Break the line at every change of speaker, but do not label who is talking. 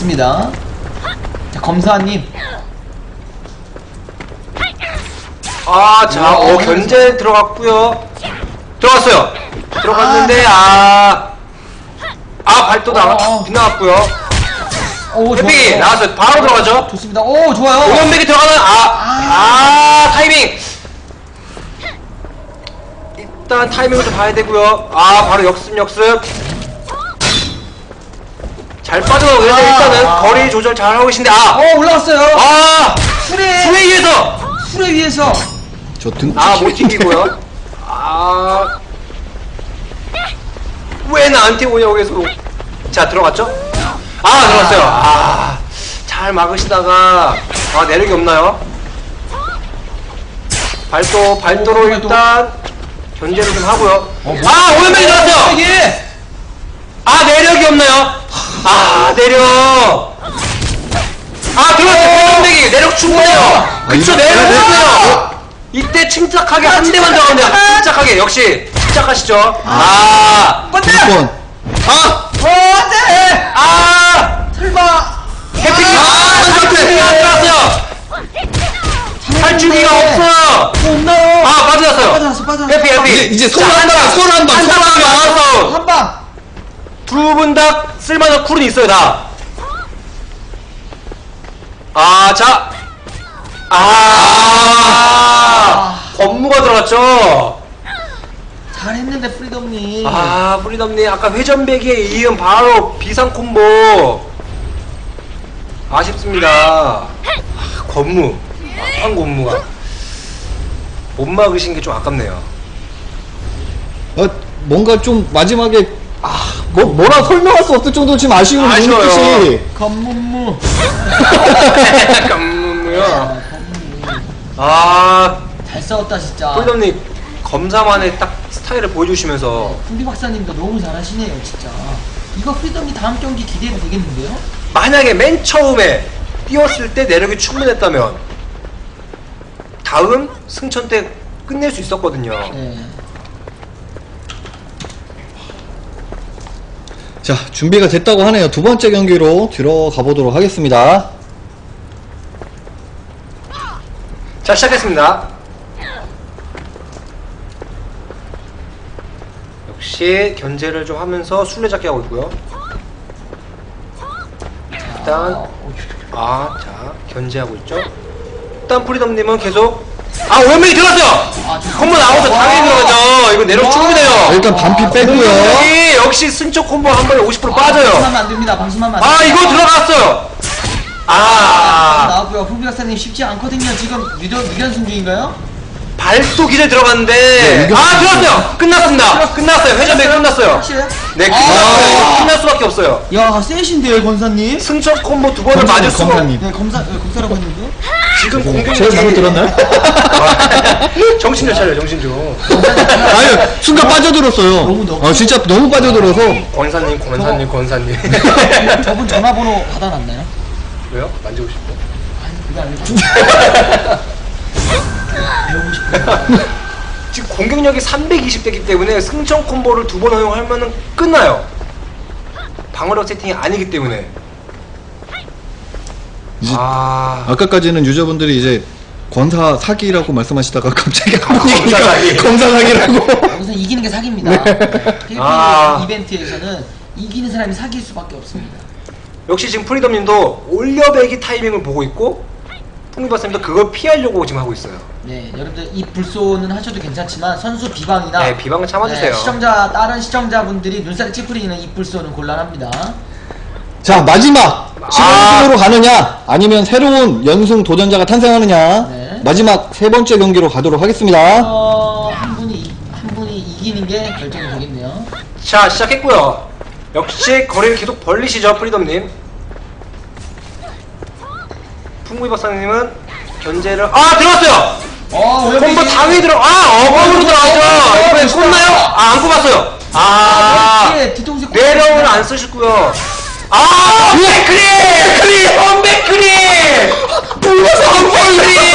좋습니다. 자, 검사님.
자, 견제 들어갔고요. 들어갔어요. 들어갔는데 발도 빗나갔고요. 해픽이 나왔어요. 바로 들어가죠.
좋습니다. 오, 좋아요.
오연백이 들어가는 타이밍. 일단 타이밍을 좀 봐야 되고요. 바로 역습. 잘 빠져나가고 일단은 거리 조절 잘 하고 계신데
올라갔어요.
수레
위에서.
저 등.
못 튕기고요. 왜 나한테 오냐고 계속. 자, 들어갔죠? 들어갔어요. 잘 막으시다가 내력이 없나요? 발도로 일단 견제를 좀 하고요. 오연백이 들어갔어요. 내력이 없나요? 내력. 들어갔어요. 오연백이 내력 충분해요. 그쵸, 내력 충분해요. 이때 침착하게 한 대만 들어가면 돼요. 침착하게. 역시 침착하시죠.
번.
안돼. 설마.
해픽이 들어갔어요. 탈출기가 없어요.
없나요?
빠져났어요. 해피.
이제 손 한 방.
나와서
한 방.
두 분 다 쓸만한 쿨은 있어요, 다. 업무가 들어갔죠.
잘했는데 프리덤님.
프리덤님 아까 회전배기에 이은 바로 비상 콤보. 아쉽습니다. 한 권무가 못 막으신 게 좀 아깝네요.
뭔가 좀 마지막에 뭐라 설명할 수 없을 정도로 지금 아쉬운 눈빛이.
검문무.
감무요.
잘 싸웠다 진짜.
프리덤님 검사만의 딱 스타일을 보여주시면서
풍비 박사님도 너무 잘하시네요 진짜. 이거 프리덤이 다음 경기 기대해도 되겠는데요?
만약에 맨 처음에 뛰었을 때 내력이 충분했다면 다음 승천 때 끝낼 수 있었거든요.
네.
자, 준비가 됐다고 하네요. 두 번째 경기로 들어가 보도록 하겠습니다.
자, 시작했습니다. 역시 견제를 좀 하면서 술래잡기 하고 있고요. 일단 자, 견제하고 있죠. 일단 프리덤님은 계속 오연백이 들어갔어요. 콤보 나오면서 당연히 들어가죠. 이거 내력 충분해요.
일단 반피 빼고요.
역시 승적 콤보 한 번에 50% 빠져요.
방심하면 안 됩니다. 방심하면 안 됩니다.
이거 들어갔어요.
나왔고요. 풍비 박사님 쉽지 않거든요. 지금 유견승 중인가요?
발도 기절 들어갔는데 들어갔어요. 끝났습니다. 끝났어요. 회전배 끝났어요.
확실해요?
네, 끝났어요. 끝날 수밖에 없어요.
야, 세신데요, 권사님?
승천 콤보 두 번을 맞을 수가
검사님.
네, 검사라고 했는데.
지금 공격력이
제가 잘못 들었나요?
정신 좀 차려요. 정신 좀.
아유, 순간 빠져들었어요.
너무
진짜 너무 빠져들어서.
권사님.
저분 전화번호 받아놨나요?
왜요? 만지고 싶어?
아니, 그게 아니고. 배우고 싶어요.
지금 공격력이 320대이기 때문에 승천 콤보를 두 번 허용하면은 끝나요. 방어력 세팅이 아니기 때문에.
아까까지는 유저분들이 이제 권사 사기라고 말씀하시다가 갑자기
검사 사기.
검사 사기라고.
여기서 이기는 게 사기입니다. PVP 이벤트에서는 이기는 사람이 사기일 수밖에 없습니다.
역시 지금 프리덤님도 올려배기 타이밍을 보고 있고 풍미박사님도 그걸 피하려고 지금 하고 있어요.
네, 여러분들 이 불소는 하셔도 괜찮지만 선수 비방이나
네, 비방을 참아주세요.
다른 시청자분들이 눈살이 찌푸리는 이 불소는 곤란합니다.
자, 마지막 15승으로 가느냐 아니면 새로운 연승 도전자가 탄생하느냐.
네.
마지막 세 번째 경기로 가도록 하겠습니다.
한 분이 이기는 게 결정이 되겠네요.
자, 시작했고요. 역시 거리를 계속 벌리시죠, 프리덤님. 풍미 박사님은 견제를 들어갔어요. 콤보 당연히 어거으로 들어가죠. 이번엔 꼽나요? 안 꼽았어요. 내려오는 안 쓰셨고요. 백크리! 백크리! 백크리!